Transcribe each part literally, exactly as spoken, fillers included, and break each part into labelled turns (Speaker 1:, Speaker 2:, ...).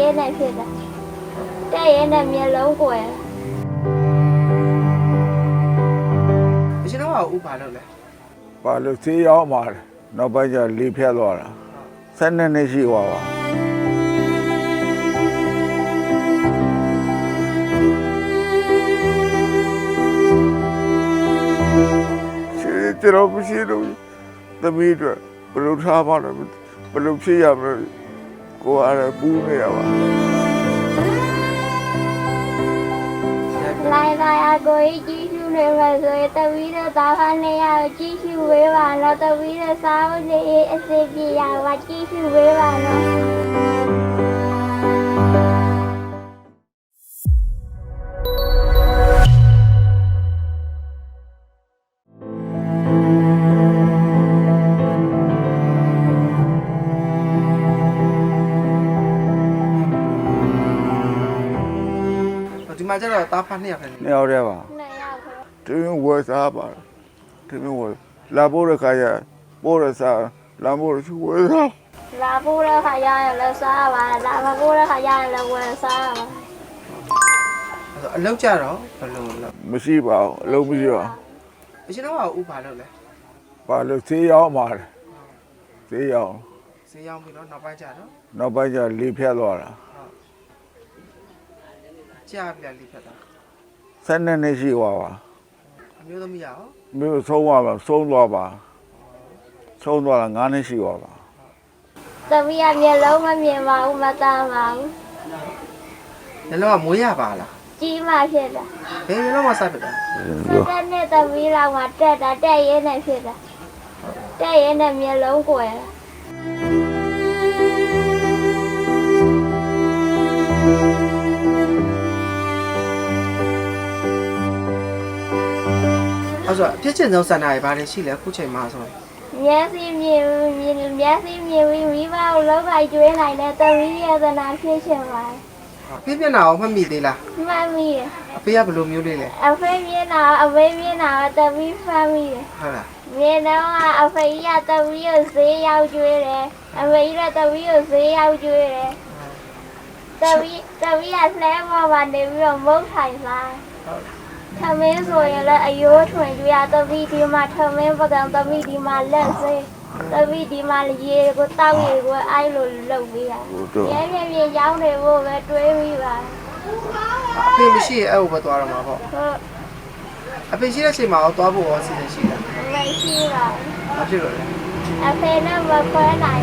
Speaker 1: ရဲနဲ့ဖြစ်တာတဲ့ရဲနဲ့မျက်လုံးကွယ်
Speaker 2: အရှင်တော့ဥပါလို့လဲ
Speaker 3: ပါလို့သေးရောက်มาတယ်နောက်ပိုင်းကျလေဖြတ်သွားတာဆက်နှစ်နှစ်ရှိသွားပါရှိတယ်တော့မရှိတော့သမီးတို့ဘယ်လိုထားပါလဲဘယ်လိုဖြစ်ရမလဲကိုယ်အားပူးနေရပါ
Speaker 1: လိုက်လိုက်အကိုကြီးကြီးရှူနေမှာဆိုရင်တပီးတော့သားဖားနေရကြီးရှူဝေးပါတော့တပီးတော့စားဖို့နေအစီပြေရပါကြီးရှူဝေးပါတော့
Speaker 2: ဒီမှာကျတော့တားဖားနှစ်ယောက်ပဲနေ
Speaker 3: နှစ်ယောက်တည်းပါ
Speaker 1: နှစ်ယောက်ပဲ
Speaker 3: တင်းဝယ်စားပါတင်းဝယ်လာဖို့ရခါရပို့ရစားလာဖို့ရဝယ်စား
Speaker 1: လာဖို့တဲ့ခါရရင်လည်းစားပါလာမဖို့တဲ့ခါရရင်လည်းဝင်စားပါ
Speaker 2: အလောက်ကြတော့ဘယ်လိုလဲ
Speaker 3: မရှိပါဘူးအလုံးမရှိပါ
Speaker 2: အရှင်တော့ဥပါလို့လဲ
Speaker 3: ပါလို့သေးရောက်มาတယ်သေးရောက်
Speaker 2: ဈေးရောက်ပြီတော့နောက်ပိုင်းကျတော့
Speaker 3: နောက်ပိုင်းကျလေဖြတ်သွားတာ
Speaker 2: ကြာပြီလားလိဖက်တာ
Speaker 3: ဆက်နှစ်နှစ်ရှိသွားပါ
Speaker 2: အမျိုးသမီးရော
Speaker 3: မြို့ဆုံးသွားပါဆုံးသွားပါဆုံးသွားတာငါးနှစ်ရှိသွားပါ
Speaker 1: သမီးကမျက်လုံးမမြင်ပါဘူးမတမ်းပါဘူး
Speaker 2: ညလောကမွေးရပါလား
Speaker 1: ကြီးမှဖြစ်တာ
Speaker 2: ဘယ်ညလောကစဖြစ်တာ
Speaker 1: တက်နဲ့သမီးလောက်မှတက်တာတက်ရဲနဲ့ဖြစ်တာတက်ရဲနဲ့မျက်လုံးကွယ်
Speaker 2: အဲ့ဆိုအဖြစ်ချင်းဆုံးစန္ဒာတွေဘာတွေရှိလဲအခုချိန်မှာဆိုရင်
Speaker 1: မျက်စိမြင်မြင်မျက်စိမြင်ပြီးမိဘကိုလောက်လိုက်ကျွေးနိုင်တဲ့သမီးရဲ့သနာဖြစ်ရှင်ပါ
Speaker 2: ပြည့်ပြနာအောင်မှတ်မိသေးလား
Speaker 1: မှတ်မိတယ်
Speaker 2: အဖေကဘယ်လိုမျိုးလေးလဲ
Speaker 1: အဖေမျက်နှာအဖေမျက်နှာကသမီးဖမ်းမိတယ်
Speaker 2: ဟုတ်လား
Speaker 1: မြင်တော့အဖေရသမီးကိုဈေးရောက်ကျွေးတယ်အဖေရသမီးကိုဈေးရောက်ကျွေးတယ်သမီးသမီးကလှဲပေါ်မှာနေပြီးတော့မုတ်ထိုင်စား ထမင်းဆိုရင်လည်းအယိုးထွင်ကြရသမီးဒီမှာထမင်းပကံသမီးဒီမှာလက်စေးသမီးဒီမှာရေကိုတောက်ရေကိုအိုက်လို့လုပ်ပေးရရဲရဲရဲရောင်းနေဖို့ပဲတွေးပြီးပါ
Speaker 2: အဖေမရှိရဲ့အဲ့ဟိုပဲသွားရမှာပေါ့
Speaker 1: ဟုတ်
Speaker 2: အဖေရှိတဲ့ချိန်မှာတော့သွားဖို့ရောစီစဉ်ရှိတာ
Speaker 1: မရှိပါ
Speaker 2: ဘာဖြစ်လို့လဲ
Speaker 1: အဖေနဲ့မခွဲနိုင်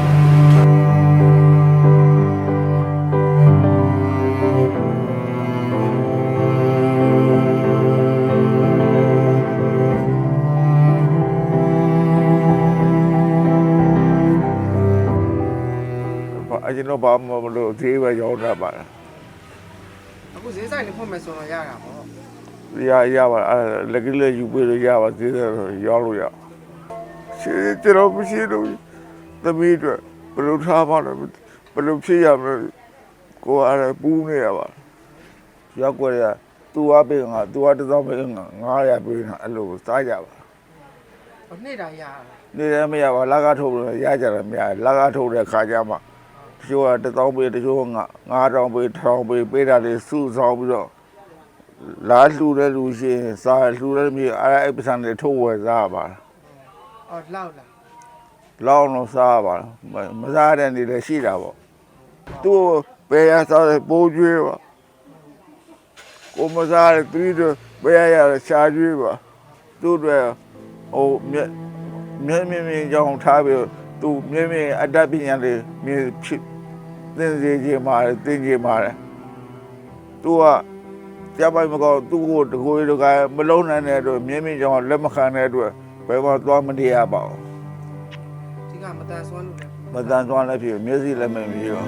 Speaker 3: အရင်တော့ဘာမှမလို့သေးပဲရောက်တာပါ
Speaker 2: အခုဈေးဆိုင်နေဖွင့်မယ်ဆိုတော့ရတာပေါ့
Speaker 3: ရရပါအဲ့လက်ကလေးယူပေးလို့ရပါသေးတယ်ရောက်လို့ရရှိတယ်တော့မရှိတော့သမီးတို့ဘယ်လိုထားပါလဲဘယ်လိုဖြစ်ရမလဲကိုယ်အားပူးနေရပါရောက်ကြရသူ့အပေးငါသူ့အတစ်သောင်းပေးငါငါးရာပေးတာအဲ့လိုစားကြပါ
Speaker 2: ဟိုနေ့တိုင်းရတာ
Speaker 3: နေလည်းမရပါလာကားထုတ်လို့ရကြတယ်မရလာကားထုတ်တဲ့ခါကျမှတချို့ကတစ်သောင်းပေးတချို့ကငါးတောင်ပေးတစ်ထောင်ပေးပေးတာတွေစုဆောင်ပြီးတော့လာလှူတဲ့လူရှင်စားလှူတဲ့မြေအဲ့အဲ့ပစံတွေထုတ်ဝယ်စားပါ
Speaker 2: အော်လောက်လား
Speaker 3: လောင်းလို့စားပါမစားတဲ့နေလည်းရှိတာပေါ့သူ့ဘယ်ရစားတဲ့ပိုးကျွေးပါကိုမစားတဲ့သူတို့ဘယ်ရရရှားကျွေးပါသူ့တွေဟိုမြက်မြင်းမြင်းမြင်းကြောင်းထားပြီးသူမြင်းမြင်းအတတ်ပညာလေးမြင်းဖြစ်သင်စေခြင်းမှာသင်ခြင်းမှာသူကကြပိုင်မကောသူ့ကိုတကိုယ်တကမလုံးနိုင်တဲ့အတွက်မြင်းမြင်းကြောင်းလက်မခံတဲ့အတွက်ဘယ်မှာသွားမနေရပါဘူး
Speaker 2: ဒီကမတန်ဆွမ်းလို့လဲ
Speaker 3: မတန်သွားလည်းဖြစ်မျက်စိလည်းမမြင်ပါ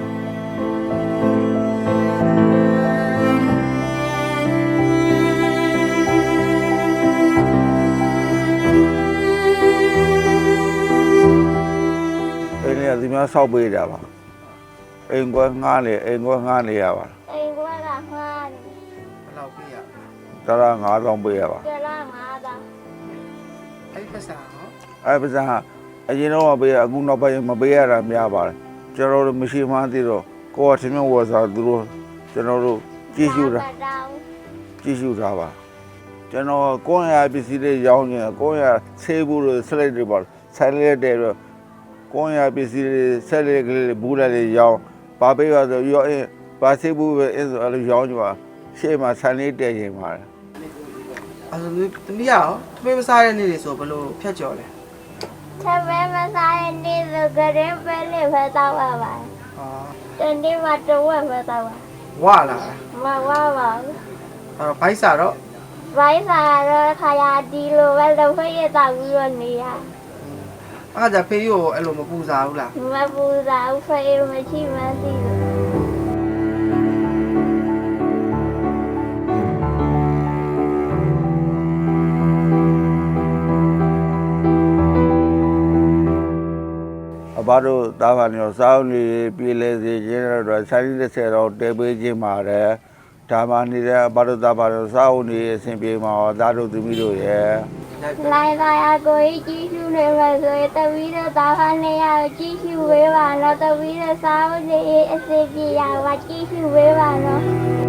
Speaker 3: အဲ့ဒီဒီမှာဆောက်ပေးကြပါအိမ်ကွယ်ငှားလေအိမ်ကွယ်ငှားနေရပါ
Speaker 1: အိမ်ကကမှားတယ်
Speaker 2: ဘယ်လောက်ပေးရ
Speaker 3: တရငါးတောင်ပေးရပါ
Speaker 1: ကြလားငါးသား
Speaker 2: အဲ့ဒီပတ်စံဟော
Speaker 3: အဲ့ပစံအရင်တော့ပေးအကူနောက်ပိုင်းမပေးရတာများပါတယ်ကျွန်တော်တို့မရှိမှန်းသိတော့ကိုကထမင်းဝယ်စားသူတို့ကျွန်တော်တို့ကြည့်ရှုတာ
Speaker 1: တောင်း
Speaker 3: ကြည့်ရှုတာပါကျွန်တော်ကိုယ့်ရပစ္စည်းတွေရောင်းနေကိုယ့်ရဆေးဘူးတွေဆက်လိုက်တွေပါဆက်လိုက်တဲ့ကိုယ့်ရပစ္စည်းတွေဆက်လိုက်ကလေးဘူးလေးရောင်းပါပေးပါဆိုရောင်းပါဆေးဘူးပဲအဲ့ဆိုအဲ့လိုရောင်းကြပါရှေ့မှာဆန်လေးတည်ရင်ပါတယ်
Speaker 2: အဲ့ဒါသမီးရောသမီးမစားတဲ့နေ့တွေဆိုဘယ်လိုဖြတ်ကျော်လဲ
Speaker 1: ချက်ပဲမစားတဲ့နေ့ဆိုကြရင်ပဲလေးပဲတောက်ရပါ
Speaker 2: ဟာ
Speaker 1: တနေ့မှတော့ဝက်ပဲတောက်ရ
Speaker 2: ဝလာ
Speaker 1: မဝါပါဘူး
Speaker 2: အဲ့ဘိုက်စာတော့
Speaker 1: ဘိုင်းစားတော့ခါရဒီလိုပဲတော့ဖရတောက်ပြီးတော့နေရ
Speaker 2: အဲ့ဒါဖေးကိုအဲ့လိုမပူစားဘူးလား
Speaker 1: မပူစားဘူးဖရမရှိမှသိလို့
Speaker 3: အဘတို့တာဘာနေစောင်းနေပြည်လဲစီခြင်းတော့ဆိုင်ရစ်ဆက်တော့တဲပေးခြင်းပါတယ်ဒါမှနေတဲ့အဘတို့တာဘာတို့စောင်းနေအစဉ်ပြေမှာသားတို့သမီးတို့ရဲ့
Speaker 1: လိုက်လာရကိုကြီးရှုနေမှာဆိုရင်တပီးတော့တာခါနေရကြီးရှုဝေးပါတော့တပီးတော့စားဖို့နေအစီပြေရပါကြီးရှုဝေးပါတော့